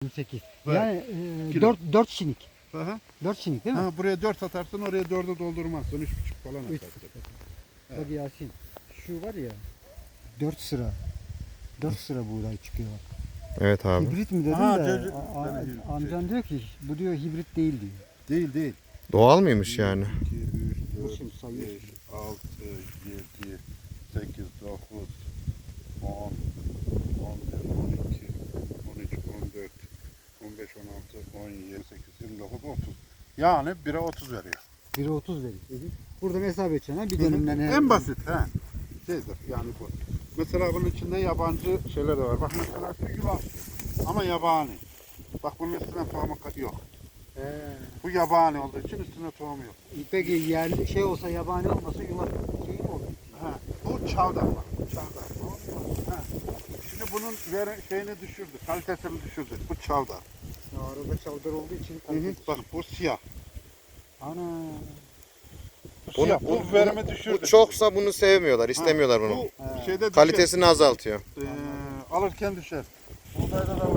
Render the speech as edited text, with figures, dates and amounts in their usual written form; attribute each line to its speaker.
Speaker 1: 28.
Speaker 2: Evet.
Speaker 1: Yani
Speaker 2: Kilo.
Speaker 1: 4 şinik.
Speaker 2: Aha.
Speaker 1: 4 şinik değil mi?
Speaker 2: Ha, buraya 4 atarsın, oraya 4'ü doldurmazsın. 3,5 falan
Speaker 1: Üç.
Speaker 2: atarsın.
Speaker 1: Bak Yasin. Şu var ya. 4 sıra. 4 sıra buğday çıkıyor bak.
Speaker 3: Evet abi.
Speaker 1: Hibrit mi dedim
Speaker 2: Aha,
Speaker 1: de
Speaker 2: çocuk- tabii hibrit.
Speaker 1: amcan diyor ki bu diyor hibrit değil diyor.
Speaker 2: Değil değil.
Speaker 3: Doğal mıymış yani?
Speaker 2: 2, 3,
Speaker 1: Bu
Speaker 2: 4,
Speaker 1: şimdi sayıyor.
Speaker 2: 5, 6, 7, 8, 9, 10, 11, 12, 13, 14, 15, 16, 17, 18, 29, 30. Yani 1'e 30 veriyor.
Speaker 1: 1'e 30 veriyor. Buradan hesap edeceksin ha bir dönümden.
Speaker 2: En basit ha. Şeydir yani bu. Mesela bunun içinde yabancı şeyler de var. Bak mesela şu yulaf ama yabani. Bak bunun üstüne tohum yok. Bu yabani olduğu için üstüne tohum yok.
Speaker 1: Peki yerli şey olsa yabani olmasa yulaf şeyi mi olur?
Speaker 2: Ha, bu çavdar bak. Bu çavdar. Ha. Şimdi bunun şeyini düşürdü, kalitesini düşürdü. Bu çavdar.
Speaker 1: Arada çavdar olduğu için
Speaker 2: Bak bu siyah.
Speaker 1: Ana.
Speaker 2: Bu siyah. Bu verimi düşürdü.
Speaker 3: Bu çoksa bunu sevmiyorlar, istemiyorlar bunu.
Speaker 2: Bu şeyde düşer.
Speaker 3: Kalitesini azaltıyor.
Speaker 2: Alırken düşer. Buğdayda da